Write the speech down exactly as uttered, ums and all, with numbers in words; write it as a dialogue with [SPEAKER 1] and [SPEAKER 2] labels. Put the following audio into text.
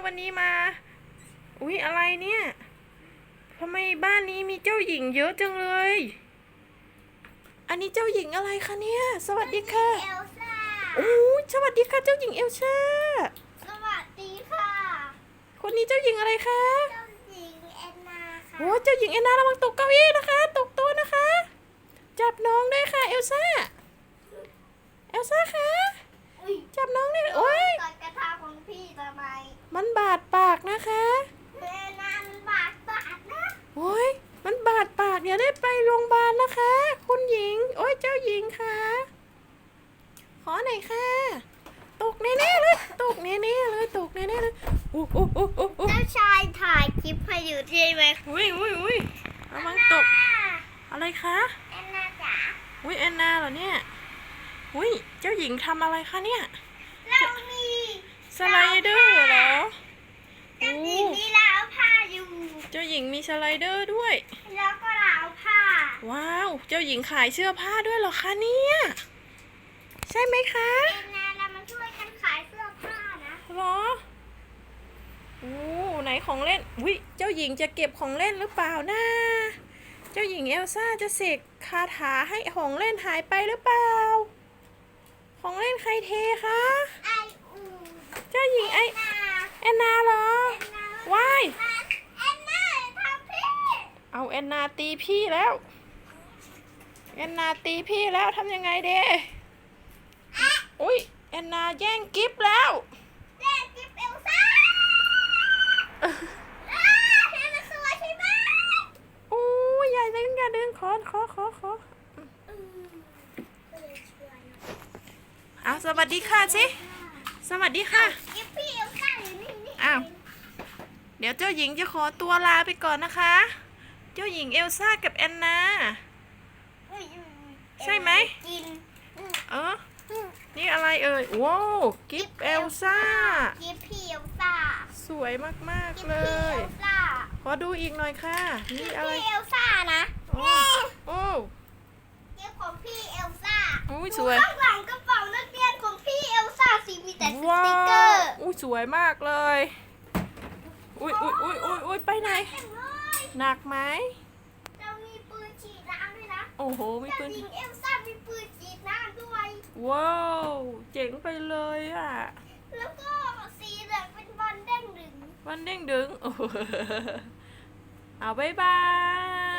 [SPEAKER 1] วันนี้มาอุ๊ยอะไรเนี่ยทำไมบ้านนี้มีเจ้าหญิงเยอะจังเลยอันนี้เจ้าหญิงอะไรคะเนี่ยสวัสดีค่ะ
[SPEAKER 2] เอลซ่า
[SPEAKER 1] โอ้สวัสดีค่ะเจ้าหญิงเอลซ่า
[SPEAKER 2] สวัสดีค่ะ
[SPEAKER 1] คนนี้เจ้าหญิงอะไรคะ
[SPEAKER 2] เจ้าหญิงแอนนาค่ะ
[SPEAKER 1] โอ้เจ้าหญิงแอนนาระวังตกเก้าอี้นะคะตกโต๊ะนะคะจับน้องด้วยค่ะเอลซ่าเอลซ่าคะจับน้องด้วยโอ้ย
[SPEAKER 2] กดกระทาของพี่ทำไม
[SPEAKER 1] มันบาดปากนะคะ
[SPEAKER 2] แอนนามันบาดบาดนะ
[SPEAKER 1] โอ้ยมันบาดปากอย่าได้ไปโรงพยาบาลนะคะคุณหญิงโอ้ยเจ้าหญิงค่ะขอหน่อยค่ะตกแน่ๆเลยตกแน่ๆเลยตกแน่ๆเลยอู้อู้อู้อู้อู้
[SPEAKER 2] เจ้าชายถ่ายคลิปให้อยู่ใช่ไหม
[SPEAKER 1] อุ้ยอุ้ยอุ้ยระวังตกอะไรคะ
[SPEAKER 2] แอนนาจ๋า
[SPEAKER 1] อุ้ยแอนนาเหรอเนี่ยอุ้ยเจ้าหญิงทำอะไรคะเนี่ย
[SPEAKER 2] เรามี
[SPEAKER 1] สไลเดอร์เหรอ
[SPEAKER 2] เจ้าหญิงมีราวผ้าอยู่
[SPEAKER 1] เจ้าหญิงมีสไลเดอร์ด้วย
[SPEAKER 2] แล้วก็ราวผ้า
[SPEAKER 1] ว้าวเจ้าหญิงขายเสื้อผ้าด้วยเหรอคะเนี่ยใช่ไหมคะ
[SPEAKER 2] แอนนาเรามาช่วยกันขายเสื้อผ้านะ
[SPEAKER 1] เหรอโอ้ไหนของเล่นอุ้ยเจ้าหญิงจะเก็บของเล่นหรือเปล่านะเจ้าหญิงเอลซ่าจะเสกคาถาให้ของเล่นหายไปหรือเปล่าของเล่นใครเทคะ
[SPEAKER 2] ไออู
[SPEAKER 1] เจ้าหญิงไอ
[SPEAKER 2] นา
[SPEAKER 1] แอนนาเหรอ
[SPEAKER 2] แอนนา
[SPEAKER 1] ว้าย
[SPEAKER 2] แอนนาทำพี่
[SPEAKER 1] เอาแอนนาตีพี่แล้วแอนนาตีพี่แล้วทำยังไงเด้อุ้ยแอนนาแย่งกิฟต์แล้ว
[SPEAKER 2] เล่นจิ๊บเอลซ่าอ้าเห็นมันสวยใช่ไหม
[SPEAKER 1] โอ้ยอย่าดึงอย่าดึงขอขอขอขอ
[SPEAKER 2] อืมก็เลยชวน
[SPEAKER 1] เอาสวัสดีค่ะสิสวัสดีค่ะ
[SPEAKER 2] จิ๊บพี่เอลซ่าอยู่นี่นี่
[SPEAKER 1] อ้าว เดี๋ยวเจ้าหญิงจะขอตัวลาไปก่อนนะคะ เจ้าหญิงเอลซ่ากับแอนนา
[SPEAKER 2] อุ้ยอุ้ยอุ้ย
[SPEAKER 1] ใช่ไหม
[SPEAKER 2] กินอืม
[SPEAKER 1] เออ
[SPEAKER 2] อืม
[SPEAKER 1] นี่อะไรเอ่ยว้าวกิฟต์เอลซ่า
[SPEAKER 2] จิ๊บพี่เอลซ่า
[SPEAKER 1] สวยมาก
[SPEAKER 2] จิ๊
[SPEAKER 1] ๆ
[SPEAKER 2] บ
[SPEAKER 1] เล
[SPEAKER 2] พี่เอย ลซ่า
[SPEAKER 1] ขอดูอีกหน่อยค่ะ
[SPEAKER 2] จิ๊
[SPEAKER 1] นี่
[SPEAKER 2] บ
[SPEAKER 1] อะไร
[SPEAKER 2] พี่เอลซ่านะ
[SPEAKER 1] โอ้โอ้
[SPEAKER 2] จิ๊บของพี่เอลซ่า
[SPEAKER 1] อุ้ย
[SPEAKER 2] ดู
[SPEAKER 1] สวย
[SPEAKER 2] ข้างหลังกระเป๋านักเรียนของพี่เอลซ่าสิมีแต่ส
[SPEAKER 1] ว้า
[SPEAKER 2] ติกเกอ
[SPEAKER 1] ว
[SPEAKER 2] ร์
[SPEAKER 1] อุ้ยสวยมากเลย อุ้ยอุ้ยอุ้ยอุ้ยอุ้ยไปไหน
[SPEAKER 2] เต็มเลย
[SPEAKER 1] หนักไหม
[SPEAKER 2] เรามีปืนฉีดน้ำด้วยนะ
[SPEAKER 1] โอ้โห มี
[SPEAKER 2] เจ้า
[SPEAKER 1] ปืน
[SPEAKER 2] หญิงเอลซ่ามีปืนฉีดน้ำด้วย
[SPEAKER 1] ว้าวเจ๋งไปเลยอ่ะ
[SPEAKER 2] แล้วก็สีเหลืองเป็นบอลเด้งดึง
[SPEAKER 1] วันเด้งดึงโอ้โหเอาบายบาย